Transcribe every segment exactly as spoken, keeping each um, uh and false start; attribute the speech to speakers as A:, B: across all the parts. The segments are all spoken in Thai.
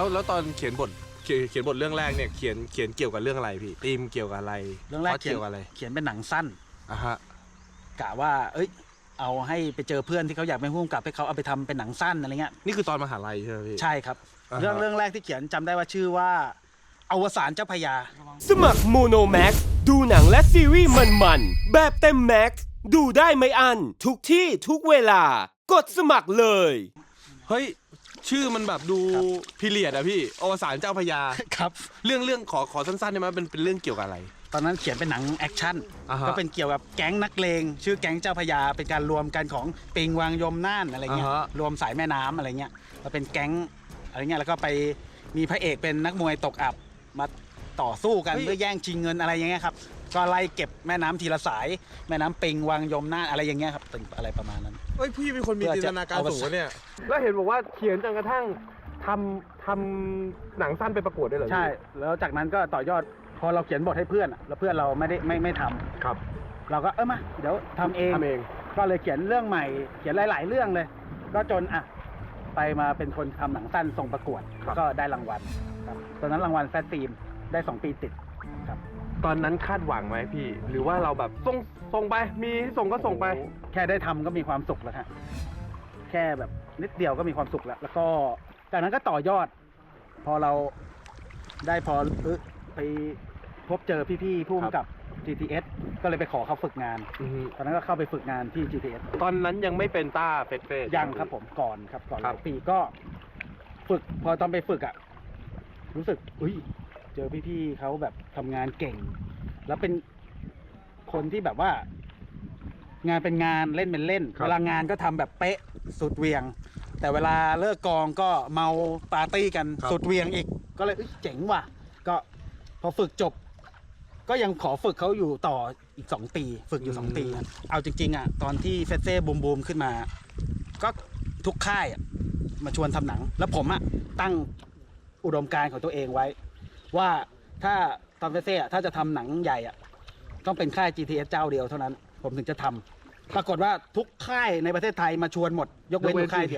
A: แล้วแล้วตอนเขียนบทเขียนเขียนบทเรื่องแรกเนี่ยเขียนเขียนเกี่ยวกับเรื่องอะไรพี่ธีมเกี่ยวกับอะไร
B: เรื่องแรกเขียน
A: เกี่ยวกับอะไร
B: เขียนเป็นหนังสั้น
A: อ่ะฮะ
B: กะว่าเอ้ยเอาให้ไปเจอเพื่อนที่เขาอยากเป็นผู้กำกับให้เขาเอาไปทำเป็นหนังสั้นอะไรเงี้ย
A: นี่คือตอนมหาลัยใช่ไหมพี่
B: ใช่ครับเรื่องเรื่องแรกที่เขียนจำได้ว่าชื่อว่าอวสานเจ้าพญา
C: สมัครโมโนแม็กดูหนังและซีรีส์มันๆแบบเต็มแม็กดูได้ไม่อันทุกที่ทุกเวลากดสมัครเลย
A: เฮ้ยชื่อมันแบบดูพีเรียดอะพี่อวสานเจ้าพญา
B: ครับ
A: เรื่องเรื่องขอขอสั้นๆได้ไหมเป็นเป็นเรื่องเกี่ยวกับอะไร
B: ตอนนั้นเขียนเป็นหนังแอคชั่นก็เป็นเกี่ยวกับแก๊งนักเลงชื่อแก๊งเจ้าพญาเป็นการรวมกันของปิงวังยมน่านอะไรเงี้ยรวมสายแม่น้ำอะไรเงี้ยมาเป็นแก๊งอะไรเงี้ยแล้วก็ไปมีพระเอกเป็นนักมวยตกอับมาต่อสู้กันเพื่อแย่งชิงเงินอะไรอย่างเงี้ยครับก็ไล่เก็บแม่น้ำทีละสายแม่น้ำปิงวังยมน่านอะไรอย่างเงี้ยครับเป็นอะไรประมาณนั้น
A: เฮ้ยพี่เป็นคนมีจินตนาการสูงเนี่ยแล้วเห็นบอกว่าเขียนจนกระทั่งทำทำหนังสั้นไปประกวดได้เลย
B: ใช่แล้วจากนั้นก็ต่อยอดพอเราเขียนบทให้เพื่อนแล้วเพื่อนเราไม่ได้ไม่ไม่ทำ
A: ครับ
B: เราก็เออมาเดี๋ยวทำเอง
A: ทำเอง
B: ก็เลยเขียนเรื่องใหม่เขียนหลายๆเรื่องเลยก็จนอ่ะไปมาเป็นคนทำหนังสั้นส่งประกวดก็ได้รางวัลครับตอนนั้นรางวัลแฟตฟิล์มได้สองปีติดครับ
A: ตอนนั้นคาดหวังไหมพี่หรือว่าเราแบบส่งส่งไปมีส่งก็ส่งไป
B: แค่ได้ทำก็มีความสุขแล้วฮะแค่แบบนิดเดียวก็มีความสุขแล้วแล้วก็จากนั้นก็ต่อยอดพอเราได้พอเออไปพบเจอพี่ๆผู้กำกับ จี ที เอส ก็เลยไปขอเขาฝึกงานตอนนั้นก็เข้าไปฝึกงานที่ จี ที เอส
A: ตอนนั้นยังไม่เป็นต้าเฟสเฟส
B: ยังครับผมก่อนครับก่อนหลายปีก็ฝึกพอตอนไปฝึกอ่ะรู้สึกอุ้ยเจอพี่ๆเขาแบบทำงานเก่งแล้วเป็นคนที่แบบว่างานเป็นงานเล่นเป็นเล่นเวลางานก็ทำแบบเป๊ะสุดเวียงแต่เวลาเลิกกองก็เมาปาร์ตี้กันสุดเวียงอีกก็เลยเจ๋งว่ะก็พอฝึกจบก็ยังขอฝึกเขาอยู่ต่ออีกสองปีฝึกอยู่สองปีเอาจริงๆอ่ะตอนที่เฟสเซ่บูมบูมขึ้นมาก็ทุกค่ายมาชวนทำหนังแล้วผมอ่ะตั้งอุดมการณ์ของตัวเองไว้ว่าถ้าตอนเฟสเซ่ถ้าจะทำหนังใหญ่อ่ะต้องเป็นค่าย จี ที เอส เจ้าเดียวเท่านั้นผมถึงจะทำปรากฏว่าทุกค่ายในประเทศไทยมาชวนหมดยกเว้นค่ายเดียว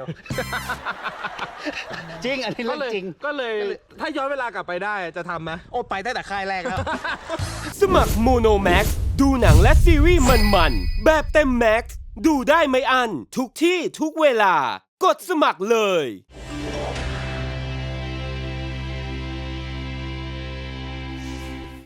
B: จริงอันนี้เรื่องจริง
A: ก็เลยถ้าย้อนเวลากลับไปได้จะทำไหม
B: โอ้ไปตั้งแต่ค่ายแรกแล้ว
C: สมัครโมโนแม็กดูหนังและซีรีส์มันๆแบบเต็มแม็กดูได้ไม่อันทุกที่ทุกเวลากดสมัครเลย